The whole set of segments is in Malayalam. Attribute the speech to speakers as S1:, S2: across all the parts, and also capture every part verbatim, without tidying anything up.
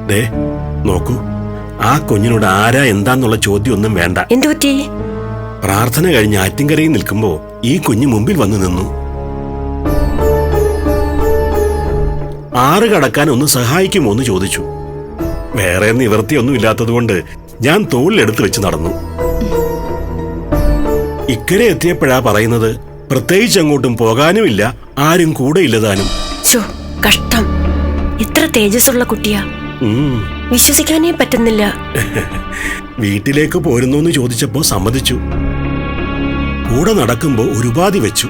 S1: ദേ നോക്കൂ, ആ കുഞ്ഞിനോട് ആരാ എന്താന്നുള്ള ചോദ്യം ഒന്നും വേണ്ട.
S2: എന്തു പറ്റി?
S1: പ്രാർത്ഥന കഴിഞ്ഞ് ആറ്റിൻകരയിൽ നിൽക്കുമ്പോ ഈ കുഞ്ഞ് മുമ്പിൽ വന്നു നിന്നു. ആറ് കടക്കാൻ ഒന്ന് സഹായിക്കുമോ എന്ന് ചോദിച്ചു. വേറെ നിവൃത്തിയൊന്നും ഇല്ലാത്തതുകൊണ്ട് ഞാൻ തോളിലെടുത്ത് വെച്ച് നടന്നു. ഇക്കരെ എത്തിയപ്പോഴാ പറയുന്നത് പ്രത്യേകിച്ച് അങ്ങോട്ടും പോകാനുമില്ല, ആരും കൂടെ ഇല്ലതാനും.
S2: കഷ്ടം, ഇത്ര തേജസ്സുള്ള കുട്ടിയാ, വിശ്വസിക്കാനേ പറ്റുന്നില്ല.
S1: വീട്ടിലേക്ക് പോരുന്നോന്ന് ചോദിച്ചപ്പോ സമ്മതിച്ചു. കൂടെ നടക്കുമ്പോ ഒരു ഉപാധി വെച്ചു.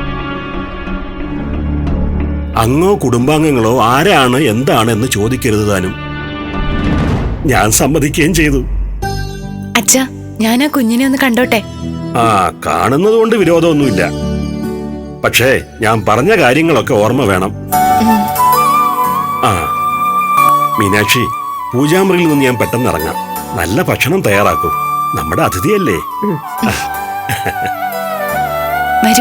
S1: അങ്ങോ കുടുംബാംഗങ്ങളോ ആരാണ് എന്താണ് എന്ന് ചോദിക്കരുത് താനും. ഞാൻ സമ്മതിക്കുകയും ചെയ്തു.
S3: അച്ഛാ, ഞാൻ ആ കുഞ്ഞിനെ ഒന്ന് കണ്ടോട്ടെ?
S1: ആ, കാണുന്നത് കൊണ്ട് വിരോധമൊന്നുമില്ല. പക്ഷേ ഞാൻ പറഞ്ഞ കാര്യങ്ങളൊക്കെ ഓർമ്മ വേണം. ആ മീനാക്ഷി, പൂജാമുറിയിൽ നിന്ന് ഞാൻ പെട്ടെന്ന് ഇറങ്ങാം. നല്ല ഭക്ഷണം തയ്യാറാക്കും, നമ്മുടെ അതിഥിയല്ലേ.
S3: വരൂ.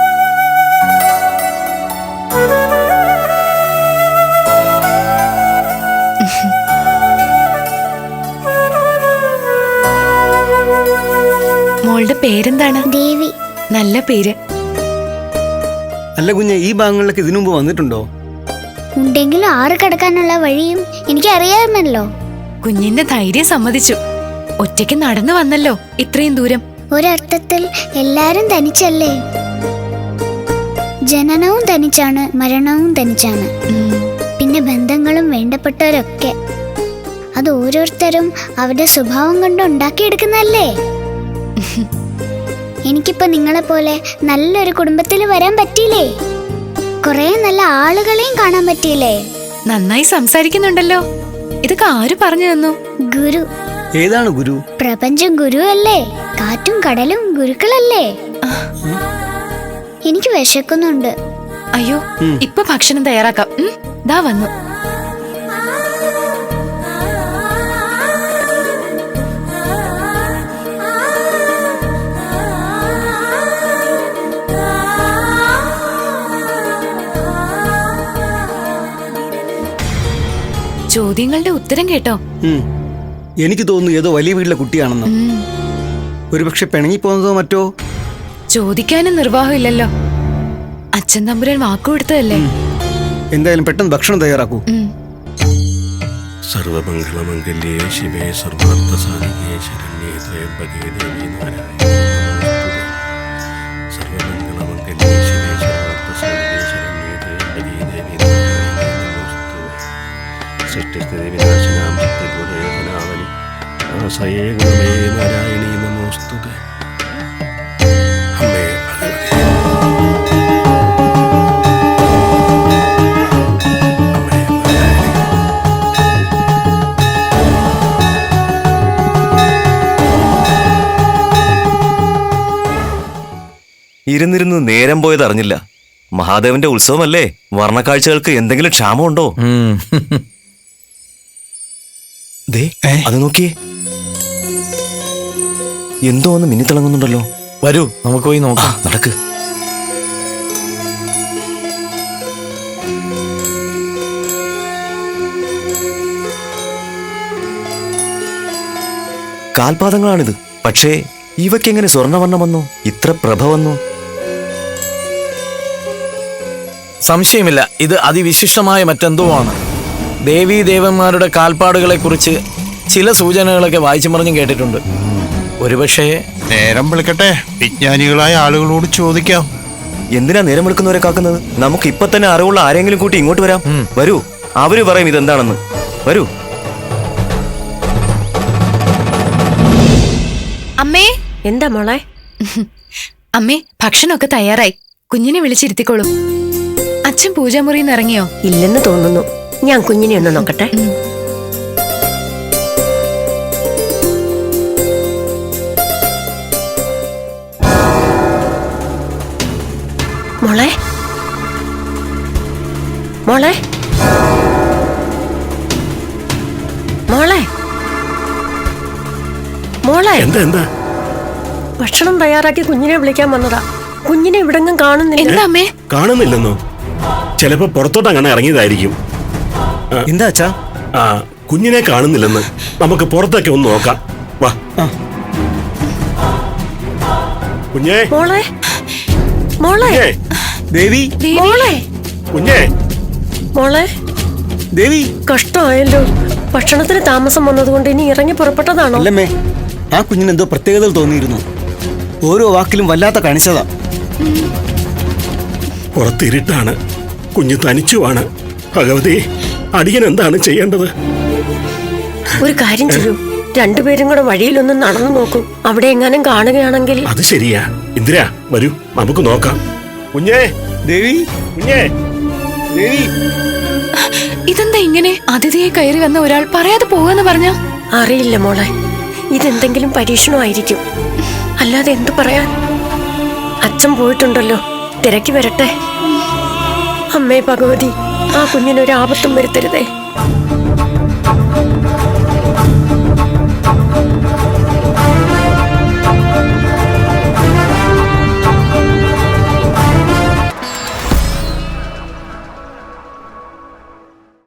S3: മോളുടെ പേരെന്താണ്?
S4: ദേവി.
S3: നല്ല പേര്.
S5: അല്ല കുഞ്ഞെ, ഈ ഭാഗങ്ങളിലൊക്കെ ഇതിനു മുമ്പ് വന്നിട്ടുണ്ടോ?
S4: ഉണ്ടെങ്കിലും ആറ് കിടക്കാനുള്ള വഴിയും എനിക്ക് അറിയാമല്ലോ.
S3: കുഞ്ഞിന്റെ ധൈര്യം സമ്മതിച്ചു. ഒറ്റയ്ക്ക് നടന്നു വന്നല്ലോ ഇത്രയും ദൂരം.
S4: ഒരർത്ഥത്തിൽ എല്ലാരും തനിച്ചല്ലേ. ജനനവും തനിച്ചാണ്, മരണവും തനിച്ചാണ്, പിന്നെ ബന്ധങ്ങളും വേണ്ടപ്പെട്ടവരൊക്കെ. അത് ഓരോരുത്തരും അവരുടെ സ്വഭാവം കൊണ്ട് ഉണ്ടാക്കിയെടുക്കുന്നല്ലേ. എനിക്കിപ്പോ നിങ്ങളെ പോലെ നല്ലൊരു കുടുംബത്തിൽ വരാൻ പറ്റിയില്ലേ, കൊറേ നല്ല ആളുകളെയും കാണാൻ പറ്റിയില്ലേ.
S3: നന്നായി സംസാരിക്കുന്നുണ്ടല്ലോ. ഇതൊക്കെ ആര് പറഞ്ഞു തന്നു?
S4: ഗുരു.
S5: ഏതാണ് ഗുരു?
S4: പ്രപഞ്ചം ഗുരു അല്ലേ, കാറ്റും കടലും ഗുരുക്കളല്ലേ. എനിക്ക് വിശക്കുന്നുണ്ട്.
S3: അയ്യോ, ഇപ്പൊ ഭക്ഷണം തയ്യാറാക്കാം. ദാ വന്നു. ചോദ്യങ്ങളുടെ ഉത്തരം കേട്ടോ?
S5: എനിക്ക് തോന്നുന്നു ഏതോ വലിയ വീട്ടിലെ കുട്ടിയാണെന്ന്. ഒരുപക്ഷെ പിണങ്ങിപ്പോന്നതോ മറ്റോ.
S3: ചോദിക്കാനും നിർവാഹമില്ലല്ലോ. അച്ഛൻ തമ്പുരാൻ വാക്കുകൊടുത്തതല്ലേ.
S5: എന്തായാലും പെട്ടെന്ന് ഭക്ഷണം തയ്യാറാക്കൂ.
S1: സർവമംഗളമംഗല്യേ ശിവേ സർവാർത്ഥസാധികേ ശരണ്യേ ത്രയംബകേ ദേവി നാരായണി സർവമംഗളമംഗല്യേ ശിവേ സർവാർത്ഥസാധികേ ശരണ്യേ ത്രയംബകേ ദേവി സൃഷ്ടിസ്ഥിതി വിനാശനാം ചിത്തബോധേവനാവലി ആസയേ ഗുണമേ നാരായണീ നമോസ്തുതേ. അമ്മേ ഭഗവതി, അമ്മേ നാരായണി.
S6: ഇരുന്നിരുന്ന് നേരം പോയത് അറിഞ്ഞില്ല. മഹാദേവന്റെ ഉത്സവമല്ലേ, വർണ്ണക്കാഴ്ചകൾക്ക് എന്തെങ്കിലും ക്ഷാമമുണ്ടോ? ദേ, അത് നോക്കിയേ, എന്തോ ഒന്ന് മിന്നിത്തിളങ്ങുന്നുണ്ടല്ലോ.
S7: വരൂ, നമുക്ക് പോയി നോക്കാം.
S6: നടക്ക്. കാൽപാദങ്ങളാണിത്. പക്ഷേ ഇവയ്ക്കെങ്ങനെ സ്വർണ്ണവർണ്ണം വന്നു, ഇത്ര പ്രഭ വന്നു?
S7: സംശയമില്ല, ഇത് അതിവിശിഷ്ടമായ മറ്റെന്തോ ആണ്. ദേവീ ദേവന്മാരുടെ കാൽപ്പാടുകളെ കുറിച്ച് ചില സൂചനകളൊക്കെ വായിച്ചു മറിഞ്ഞും കേട്ടിട്ടുണ്ട്. ഒരുപക്ഷേ
S8: നേരം വിളിക്കട്ടെ, വിജ്ഞാനികളായ ആളുകളോട് ചോദിക്കാം.
S6: എന്തിനാ നേരം വിളിക്കുന്നവരെ കാക്കുന്നത്? നമുക്ക് ഇപ്പൊ തന്നെ അറിവുള്ള ആരെങ്കിലും കൂട്ടി ഇങ്ങോട്ട് വരാം. വരൂ, അവര് പറയും ഇതെന്താണെന്ന്. വരൂ.
S3: അമ്മേ.
S2: എന്താ മോളെ?
S3: അമ്മേ, ഭക്ഷണമൊക്കെ തയ്യാറായി. കുഞ്ഞിനെ വിളിച്ചിരുത്തിക്കോളൂ. അച്ഛൻ പൂജാമുറിയിൽ നിന്ന് ഇറങ്ങിയോ?
S2: ഇല്ലെന്ന് തോന്നുന്നു. ഞാൻ കുഞ്ഞിനെ ഒന്ന് നോക്കട്ടെ. മോളെ, മോളെ, മോളെ, മോളെ.
S1: എന്താ എന്താ?
S2: ഭക്ഷണം തയ്യാറാക്കി കുഞ്ഞിനെ വിളിക്കാൻ വന്നതാ. കുഞ്ഞിനെ ഇവിടെങ്ങും കാണുന്നില്ല.
S3: എന്താ അമ്മേ?
S1: കാണുന്നില്ലെന്നോ? ചിലപ്പോ പുറത്തോട്ട് അങ്ങനെ ഇറങ്ങിയതായിരിക്കും.
S5: എന്താ അച്ഛാ?
S1: ആ, കുഞ്ഞിനെ കാണുന്നില്ലെന്ന് നമുക്ക് പുറത്തൊക്കെ ഒന്ന് നോക്കാം. വാ. കുഞ്ഞേ,
S2: മോളെ മോളെ
S1: കുഞ്ഞേ,
S5: ദേവി
S2: മോളെ
S1: കുഞ്ഞേ.
S2: മോളെ
S5: ദേവി
S2: കഷ്ടമായല്ലോ. ഭക്ഷണത്തിന് താമസം വന്നതുകൊണ്ട് ഇനി ഇറങ്ങി പുറപ്പെട്ടതാണോ?
S5: അല്ലമ്മേ, ആ കുഞ്ഞിന് എന്തോ പ്രത്യേകതകൾ തോന്നിയിരുന്നു. ഓരോ വാക്കിലും വല്ലാത്ത കണിച്ചതാ.
S1: പുറത്തിരുട്ടാണ്, കുഞ്ഞ് തനിച്ചുമാണ്. ഭഗവതി, അടിയൻ എന്താണ് ചെയ്യേണ്ടത്?
S2: ഒരു കാര്യം ചെയ്യൂ, രണ്ടുപേരും കൂടെ വഴിയിലൊന്ന് നടന്നു നോക്കൂ. അവിടെ എങ്ങാനും കാണുകയാണെങ്കിൽ.
S1: അത് ശരിയാ. ഇന്ദിര, വരൂ, നമുക്ക് നോക്കാം. കുഞ്ഞേ,
S5: ദേവി
S1: കുഞ്ഞേ.
S5: ദേവി
S3: ഇതെന്താ ഇങ്ങനെ? അതിഥിയെ കയറി വന്ന ഒരാൾ പറയാതെ പോവാന്ന് പറഞ്ഞ?
S2: അറിയില്ല മോളെ, ഇതെന്തെങ്കിലും പരീക്ഷണമായിരിക്കും. അല്ലാതെ എന്തു പറയാൻ? അച്ഛൻ പോയിട്ടുണ്ടല്ലോ, തിരക്കി വരട്ടെ. അമ്മേ ഭഗവതി, ആ കുഞ്ഞിനൊരു ആപത്തും വരുത്തരുതേ.